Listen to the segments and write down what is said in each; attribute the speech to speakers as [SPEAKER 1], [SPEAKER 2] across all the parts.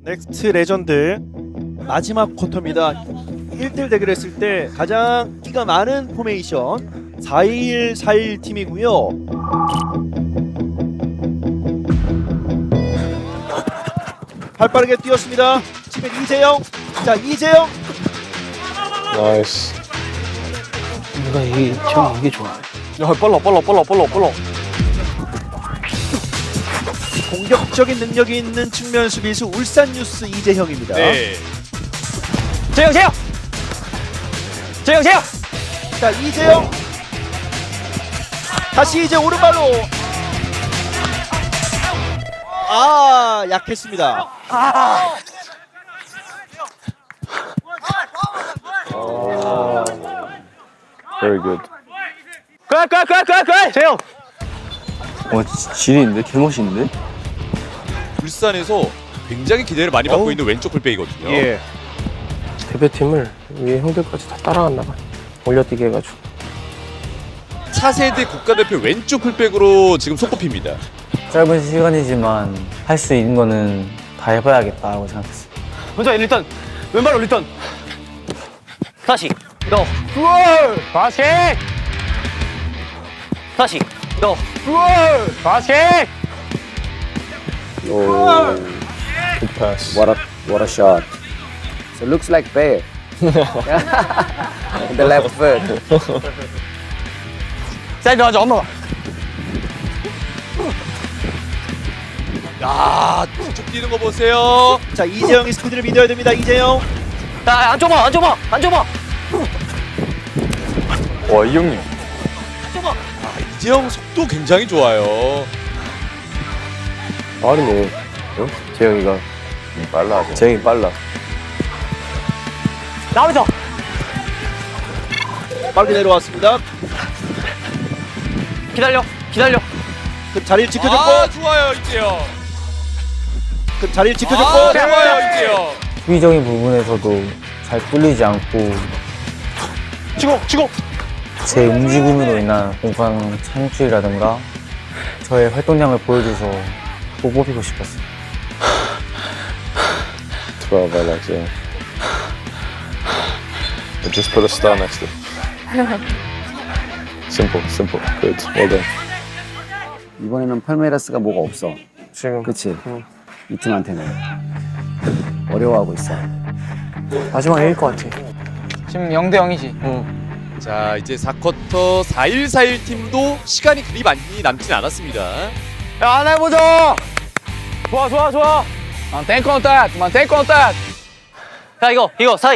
[SPEAKER 1] 넥스트 레전드 마지막 쿼터입니다. 1대1 대결했을 때 가장 끼가 많은 포메이션 4-1-4-1 팀이고요. 발빠르게 뛰었습니다. 지금 이재영. 자, 이재영.
[SPEAKER 2] 나이스.
[SPEAKER 3] 이게 좋아.
[SPEAKER 2] 야, 빨라.
[SPEAKER 1] 공격적인 능력이 있는 측면 수비수 울산 뉴스 이재형입니다.
[SPEAKER 2] 네.
[SPEAKER 3] 재영!
[SPEAKER 1] 자, 이재영. 다시 이제 오른발로. 아, 약했습니다.
[SPEAKER 2] Very good.
[SPEAKER 3] 재영!
[SPEAKER 4] 지리인데? 개멋있는데?
[SPEAKER 5] 울산에서 굉장히 기대를 많이 받고 있는 왼쪽 풀백이거든요.
[SPEAKER 1] 예.
[SPEAKER 3] 대표팀을 위에 형들까지 다 따라갔나 봐. 올려뛰게 해가지고.
[SPEAKER 5] 차세대 국가대표 왼쪽 풀백으로 지금 손꼽힙니다.
[SPEAKER 4] 짧은 시간이지만 할 수 있는 거는 다 해봐야겠다고 생각했어요.
[SPEAKER 3] 먼저 일단 왼발 올리던. 다시 너. 다시. 다시 너. 다시.
[SPEAKER 2] Oh, good pass.
[SPEAKER 6] What a shot. So looks like Bay. The left foot.
[SPEAKER 3] 사이드 하자 엄마가.
[SPEAKER 5] 야, 쭉 뛰는 거 보세요.
[SPEAKER 1] 자, 이재영이 스피드를 믿어야 됩니다. 이재영.
[SPEAKER 3] 야 앉아봐.
[SPEAKER 2] 와, 이 형님.
[SPEAKER 5] 이재영 속도 굉장히 좋아요.
[SPEAKER 2] 빠르네. 재영이가. 빨라. 재영이 빨라.
[SPEAKER 3] 나오죠.
[SPEAKER 1] 빠르게 내려왔습니다.
[SPEAKER 3] 기다려.
[SPEAKER 1] 그 자리를 지켜줬고,
[SPEAKER 5] 아, 좋아요, 이재영.
[SPEAKER 1] 그 자리를 지켜줬고.
[SPEAKER 5] 아, 좋아요, 이재영.
[SPEAKER 4] 수비적인 부분에서도 잘 뚫리지 않고
[SPEAKER 3] 치고.
[SPEAKER 4] 제 움직임으로 인한 공간 창출이라든가 저의 활동량을 보여줘서 꼭 뽑히고 싶었어요.
[SPEAKER 2] 12, I like 재영. Just put a star next to it. Simple. Good. Well done.
[SPEAKER 6] 이번에는 팔메이라스가 뭐가 없어.
[SPEAKER 3] 지금
[SPEAKER 6] 그치? 이 팀한테는 어려워하고 있어.
[SPEAKER 3] 마지막 이길 것 같아.
[SPEAKER 4] 지금 0대 0이지.
[SPEAKER 5] 자, 이제 4쿼터 4-1-4-1 팀도 시간이 그리 많이 남진 않았습니다.
[SPEAKER 3] 야, 하나 해보자. 좋아. Maintain contact. 야, 이거 사이.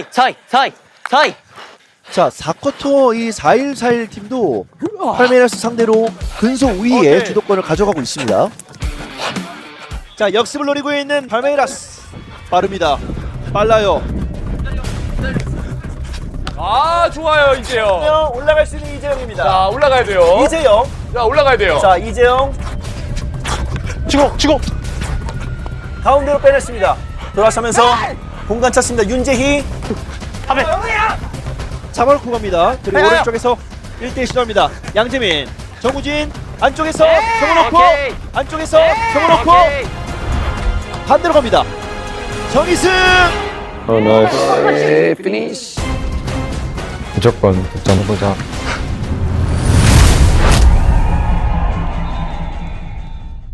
[SPEAKER 1] 자, 4쿼터 이 4-1-4-1 팀도 팔메이라스 상대로 근소 우위의 주도권을 가져가고 있습니다. 자, 역습을 노리고 있는 팔메이라스. 빠릅니다. 빨라요.
[SPEAKER 5] 아, 좋아요, 이재영.
[SPEAKER 1] 올라갈 수 있는 이재영입니다.
[SPEAKER 5] 자, 올라가야 돼요.
[SPEAKER 1] 이재영.
[SPEAKER 5] 자, 올라가야 돼요.
[SPEAKER 1] 자, 이재영.
[SPEAKER 3] 치고.
[SPEAKER 1] 가운데로 빼냈습니다. 돌아서면서 공간 찾습니다. 윤재희. 잡아놓고 갑니다. 그리고 오른쪽에서 1대1 시도합니다. 양재민, 정우진 안쪽에서 세워놓고 안쪽에서 세워놓고 반대로 갑니다. 정희승.
[SPEAKER 2] Oh, nice.
[SPEAKER 6] Hey, finish.
[SPEAKER 4] 무조건 득점해보자.